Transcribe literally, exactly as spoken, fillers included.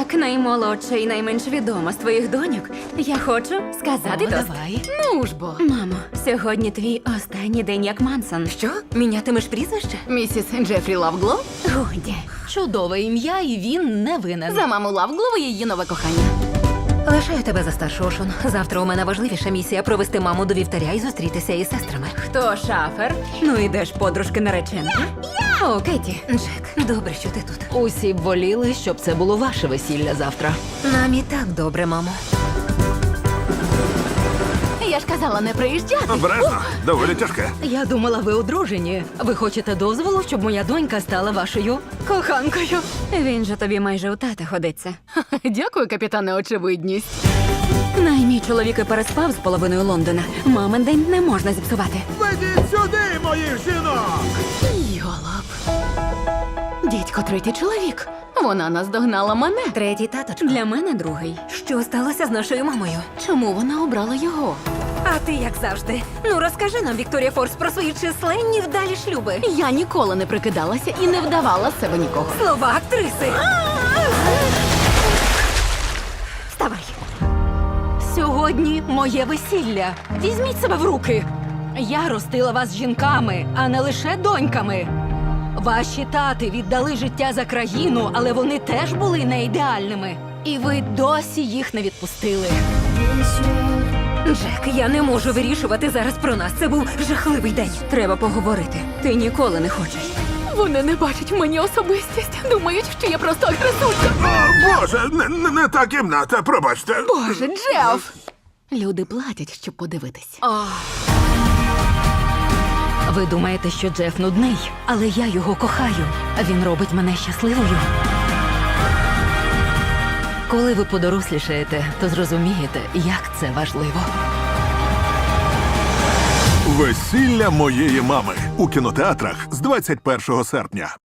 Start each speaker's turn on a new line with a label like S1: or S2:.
S1: Як наймолодша і найменш відома з твоїх доньок, я хочу сказати
S2: О,
S1: тост.
S2: давай.
S3: Ну ж бо.
S1: Мамо, сьогодні твій останній день як Мансон.
S3: Що?
S1: Мінятимеш прізвище?
S3: Місіс Джефрі Лавглов?
S1: Годі.
S2: Чудове ім'я, і він не винен.
S3: За маму Лавглова і її нове кохання.
S4: Лишаю тебе за старшу, Ошон. Завтра у мене важливіша місія провести маму до вівтаря і зустрітися із сестрами.
S1: Хто шафер? Ну ідеш, подружки нареченки. О, Кеті.
S4: Джек, добре, що ти тут.
S2: Усі б воліли, щоб це було ваше весілля завтра.
S4: Нам і так добре, мамо.
S3: Я ж казала не приїжджати.
S5: Обережно, доволі тяжке.
S2: Я думала, ви одружені. Ви хочете дозволу, щоб моя донька стала вашою коханкою?
S1: Він же тобі майже у тата ходиться.
S3: Дякую, капітане, очевидність.
S1: Най мій чоловік і переспав з половиною Лондона. Мамин день не можна зіпсувати.
S5: Ведіть сюди, моїх жінок!
S3: Йолоп. Дідько, третій чоловік. Вона наздогнала мене.
S4: Третій таточко.
S1: Для мене другий.
S4: Що сталося з нашою мамою?
S3: Чому вона обрала його?
S4: А ти як завжди. Ну розкажи нам, Вікторія Форс, про свої численні вдалі шлюби.
S3: Я ніколи не прикидалася і не вдавала з себе нікого.
S4: Слова актриси. Вставай.
S2: Сьогодні моє весілля. Візьміть себе в руки. Я ростила вас жінками, а не лише доньками. Ваші тати віддали життя за країну, але вони теж були не ідеальними. І ви досі їх не відпустили.
S4: Джек, я не можу вирішувати зараз про нас. Це був жахливий день.
S1: Треба поговорити. Ти ніколи не хочеш.
S3: Вони не бачать в мені особистість. Думають, що я просто агресуйка.
S5: О, Боже, не, не, не та кімната, пробачте.
S3: Боже, Джеф! Люди платять, щоб подивитись.
S2: Ви думаєте, що Джеф нудний, але я його кохаю. Він робить мене щасливою. Коли ви подорослішаєте, то зрозумієте, як це важливо.
S5: Весілля моєї мами у кінотеатрах з двадцять першого серпня.